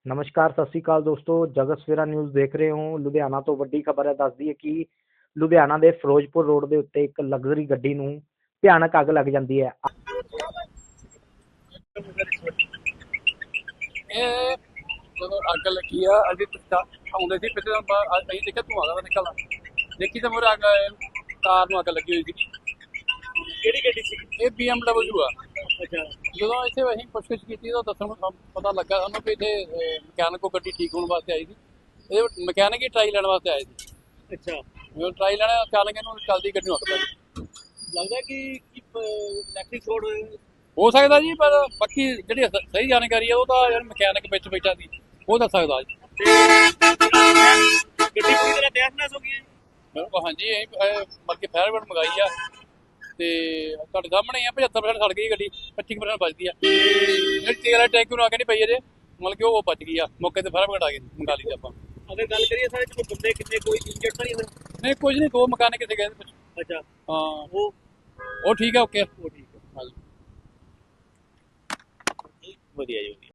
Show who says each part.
Speaker 1: ਨਮਸਕਾਰ, ਸਤਿ ਸ਼੍ਰੀ ਅਕਾਲ ਦੋਸਤੋ। ਜਗਤ ਸਵੇਰਾ ਨਿਊਜ਼ ਦੇਖ ਰਹੇ ਹੋ। ਲੁਧਿਆਣਾ ਤੋਂ ਵੱਡੀ ਖਬਰ ਹੈ। ਦੱਸਦੀ ਹੈ ਕਿ ਲੁਧਿਆਣਾ ਦੇ ਫਿਰੋਜ਼ਪੁਰ ਰੋਡ ਦੇ ਉੱਤੇ ਇੱਕ ਲਗਜ਼ਰੀ ਗੱਡੀ ਨੂੰ ਭਿਆਨਕ ਅੱਗ ਲੱਗ ਜਾਂਦੀ ਹੈ।
Speaker 2: ਇਹ ਜਦੋਂ ਅੱਗ ਲੱਗੀ ਆ ਅਸੀਂ ਆਉਂਦੇ ਸੀ ਪਿੱਛੇ ਅਸੀਂ ਦੇਖਿਆ ਧੂੰਆਂ ਦਾ ਨਿਕਲਦਾ ਦੇਖੀ ਤਾਂ ਮੋਰੇ ਅੱਗ ਕਾਰ ਨੂੰ ਅੱਗ ਲੱਗੀ ਹੋਈ ਸੀ।
Speaker 3: ਕਿਹੜੀ ਗੱਡੀ ਸੀ?
Speaker 2: ਇਹ BMW ਆ।
Speaker 3: ਅੱਛਾ।
Speaker 2: ਜਦੋਂ ਇੱਥੇ ਅਸੀਂ ਪੁੱਛਗਿੱਛ ਕੀਤੀ ਤਾਂ ਦੱਸਣ ਨੂੰ ਪਤਾ ਲੱਗਾ ਸਾਨੂੰ ਕਿ ਇੱਥੇ ਮਕੈਨਿਕ ਕੋਲ ਗੱਡੀ ਠੀਕ ਹੋਣ ਵਾਸਤੇ ਆਈ ਸੀ। ਇਹ ਮਕੈਨਿਕ ਹੀ ਟਰਾਈ ਲੈਣ ਵਾਸਤੇ ਆਏ ਸੀ।
Speaker 3: ਅੱਛਾ।
Speaker 2: ਜਦੋਂ ਟਰਾਈ ਲੈਣਾ ਅਚਾਨਕ ਇਹਨੂੰ ਚੱਲਦੀ ਗੱਡੀ ਨੂੰ ਅੱਗ ਲੱਗ ਗਈ।
Speaker 3: ਲੱਗਦਾ ਕਿ ਇਲੈਕਟ੍ਰਿਕ ਸ਼ੋਰਟ
Speaker 2: ਹੋ ਸਕਦਾ ਜੀ, ਪਰ ਬਾਕੀ ਜਿਹੜੀ ਸਹੀ ਜਾਣਕਾਰੀ ਆ ਉਹ ਤਾਂ ਯਾਰ ਮਕੈਨਿਕ ਵਿੱਚ ਬੈਠਾ ਸੀ ਉਹ ਦੱਸ ਸਕਦਾ ਜੀ।
Speaker 3: ਗੱਡੀ ਪੂਰੀ ਤਰ੍ਹਾਂ ਤਹਿਸ-ਨਹਿਸ ਹੋ ਗਈ ਹੈ।
Speaker 2: ਬਿਲਕੁਲ ਹਾਂਜੀ, ਅਸੀਂ ਬਲਕਿ ਫਾਇਰ ਬ੍ਰਿਗੇਡ ਮੰਗਾਈ ਆ ਤੇ ਤੁਹਾਡੇ ਸਾਹਮਣੇ ਹੀ ਆ 75% ਸੜ ਗਈ ਗੱਡੀ, 25% ਬਚਦੀ ਆ। ਜਿਹੜੀ ਤੇਲ ਵਾਲੇ ਟੈਂਕ ਨੂੰ ਅੱਗ ਨਹੀਂ ਪਈ ਇਹਦੇ, ਮਤਲਬ ਕਿ ਉਹ ਬਚ ਗਈ ਆ। ਮੌਕੇ ਤੇ ਫਾਇਰ ਬ੍ਰਿਗੇਡ ਆ ਗਈ, ਮੰਗਾ ਲਈ ਆਪਾਂ।
Speaker 3: ਅਗਰ ਗੱਲ ਕਰੀਏ ਸਾਰੇ ਚ ਬੰਦੇ ਕਿੰਨੇ ਕੋਈ ਇੰਜਰਡ ਤਾਂ ਨਹੀਂ ਹੋਏ?
Speaker 2: ਨਹੀਂ ਕੁਝ ਨਹੀਂ, ਦੋ ਮਕਾਨ ਕਿੱਥੇ ਗਏ ਕੁਝ।
Speaker 3: ਅੱਛਾ।
Speaker 2: ਹਾਂ
Speaker 3: ਉਹ
Speaker 2: ਉਹ ਠੀਕ ਆ, ਓਕੇ।
Speaker 3: ਠੀਕ ਹੈ।
Speaker 2: ਹਾਂਜੀ
Speaker 3: ਵਧੀਆ ਜੀ।